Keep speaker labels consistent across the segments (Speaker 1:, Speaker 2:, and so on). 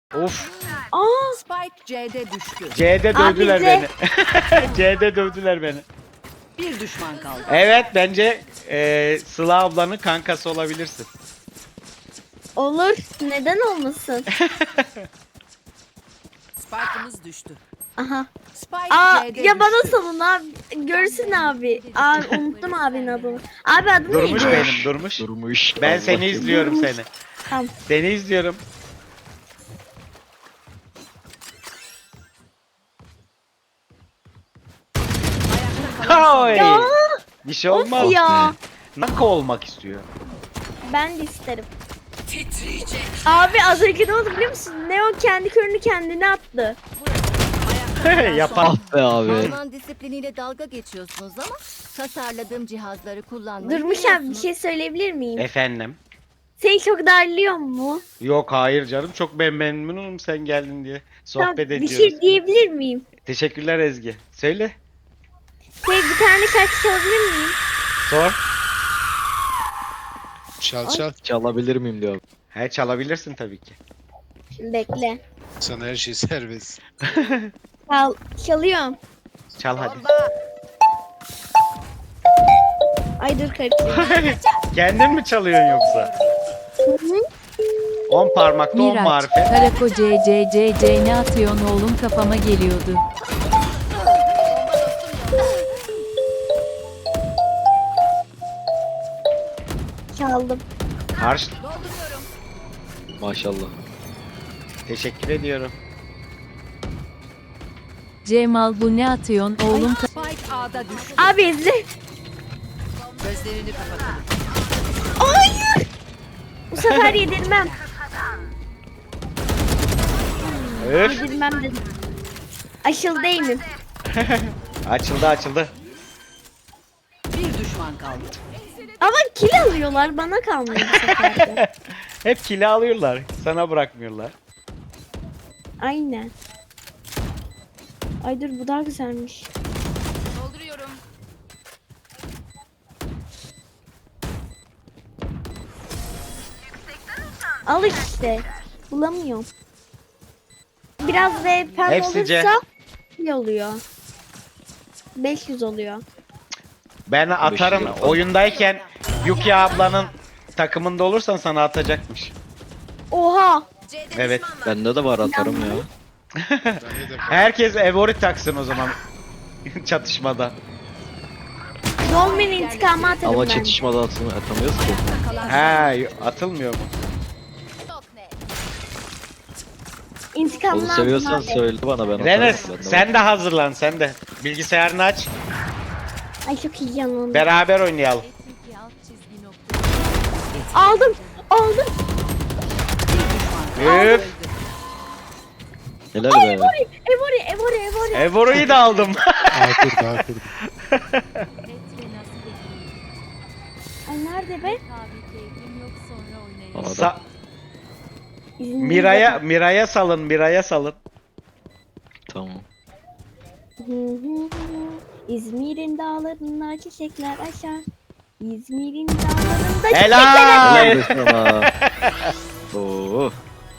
Speaker 1: Of.
Speaker 2: Aa,
Speaker 3: Spike C'de düştü.
Speaker 1: C'de
Speaker 2: Abi
Speaker 1: dövdüler
Speaker 2: C.
Speaker 1: beni. C'de dövdüler beni.
Speaker 3: Bir düşman kaldı.
Speaker 1: Evet bence Sıla ablanın kankası olabilirsin.
Speaker 2: olur. Neden olmasın?
Speaker 3: Spike'ımız düştü.
Speaker 2: Aha.
Speaker 3: Spike
Speaker 2: Aa,
Speaker 3: C'de
Speaker 2: ya bana
Speaker 3: düştü.
Speaker 2: salın abi. Görsün abi. Abi unuttum abinin adını. Abi adı
Speaker 1: Durmuş
Speaker 2: neydi?
Speaker 1: benim, durmuş.
Speaker 4: Durmuş.
Speaker 1: Ben
Speaker 4: Allah
Speaker 1: seni izliyorum
Speaker 2: Durmuş.
Speaker 1: seni.
Speaker 2: Tamam.
Speaker 1: Seni izliyorum. Oy.
Speaker 2: Ya,
Speaker 1: Bir şey olmaz.
Speaker 2: of ya.
Speaker 1: Naka olmak istiyor.
Speaker 2: Ben de isterim. Abi az önce ne oldu biliyor musun? Neo kendi körünü kendine attı.
Speaker 1: Yapar.
Speaker 4: Ah be abi.
Speaker 5: Alman disipliniyle dalga geçiyorsunuz ama tasarladığım cihazları kullanmayı
Speaker 2: Durmuş abi bir
Speaker 5: biliyorsunuz.
Speaker 2: şey söyleyebilir miyim?
Speaker 1: Efendim.
Speaker 2: Seni çok darlıyor mu?
Speaker 1: Yok hayır canım çok memnunum sen geldin diye.
Speaker 2: Tamam,
Speaker 1: Sohbet
Speaker 2: bir
Speaker 1: ediyoruz.
Speaker 2: şey diyebilir miyim?
Speaker 1: Teşekkürler Ezgi. Söyle.
Speaker 2: Bir tane şarkı çalabilir miyim?
Speaker 1: Sor.
Speaker 6: Çal çal.
Speaker 4: Çalabilir miyim diyor.
Speaker 1: He çalabilirsin tabii ki.
Speaker 2: Bekle.
Speaker 6: Sana her şey serbest.
Speaker 2: Çalıyorum.
Speaker 1: Çal hadi.
Speaker 2: Ay dur karıştırdım.
Speaker 1: Kendin mi çalıyorsun yoksa? 10 parmakta 10
Speaker 7: Miraç,
Speaker 1: marifet.
Speaker 7: Karako CCCC ne atıyorsun oğlum kafama geliyordu.
Speaker 2: Çaldım.
Speaker 1: Karşı.
Speaker 4: Maşallah.
Speaker 1: Teşekkür ediyorum.
Speaker 7: Cemal bu ne atıyorsun oğlum
Speaker 3: Spike A'da düştü.
Speaker 2: Abi izle.
Speaker 3: Gözlerini kapatalım.
Speaker 2: Hayır. Bu sefer yedirmem.
Speaker 1: Öf.
Speaker 2: Yedirmem dedim. Aşıl değilim.
Speaker 1: Açıldı açıldı.
Speaker 3: Bir düşman kaldı.
Speaker 2: Ama kill alıyorlar bana kalmıyor bu sefer de.
Speaker 1: Hep kili alıyorlar. Sana bırakmıyorlar.
Speaker 2: Aynen. Ay dur bu daha güzelmiş.
Speaker 5: Dolduruyorum.
Speaker 2: Al işte. Bulamıyorum. Biraz VPN
Speaker 1: Hepsi C.
Speaker 2: olursa iyi oluyor. 500 oluyor.
Speaker 1: Ben atarım.
Speaker 4: lira.
Speaker 1: Oyundayken Yuki ablanın takımında olursan sana atacakmış.
Speaker 2: Oha.
Speaker 1: Evet.
Speaker 4: Bende de var atarım ya.
Speaker 6: Bende de
Speaker 1: Herkes Evori taksın o zaman. Çatışmada.
Speaker 2: Dolmen intikamı atarım
Speaker 4: Ama
Speaker 2: ben.
Speaker 4: çatışmada atamıyoruz ki.
Speaker 1: He atılmıyor mu?
Speaker 2: İntikamını
Speaker 4: Onu
Speaker 2: aldım
Speaker 4: seviyorsan
Speaker 2: abi.
Speaker 4: söyle bana ben atarım.
Speaker 1: Renes
Speaker 4: Bende
Speaker 1: sen
Speaker 4: var.
Speaker 1: de hazırlan sen de. Bilgisayarını aç.
Speaker 2: Ay çok iyi yanıldım.
Speaker 1: Beraber oynayalım.
Speaker 2: Aldım. Aldım.
Speaker 1: Üf.
Speaker 4: Helal be.
Speaker 2: Evori.
Speaker 1: Evori'yi de aldım.
Speaker 6: daha kur daha kur.
Speaker 2: Ay nerede be?
Speaker 4: Adam.
Speaker 2: İzin
Speaker 1: Miray'a salın, Miray'a salın.
Speaker 4: Tamam.
Speaker 2: İzmir'in dağlarında çiçekler açar. İzmir'in dağlarında çiçekler
Speaker 1: Helal.
Speaker 4: Helal be sana. Oo.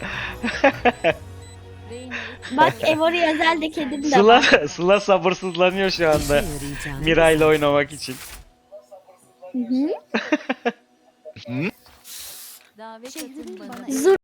Speaker 2: Bak Evori özel de kedim de var.
Speaker 1: Sıla sabırsızlanıyor şu anda Miray'la oynamak için.
Speaker 2: Hı hı.
Speaker 7: Davet atın bana.
Speaker 2: Zur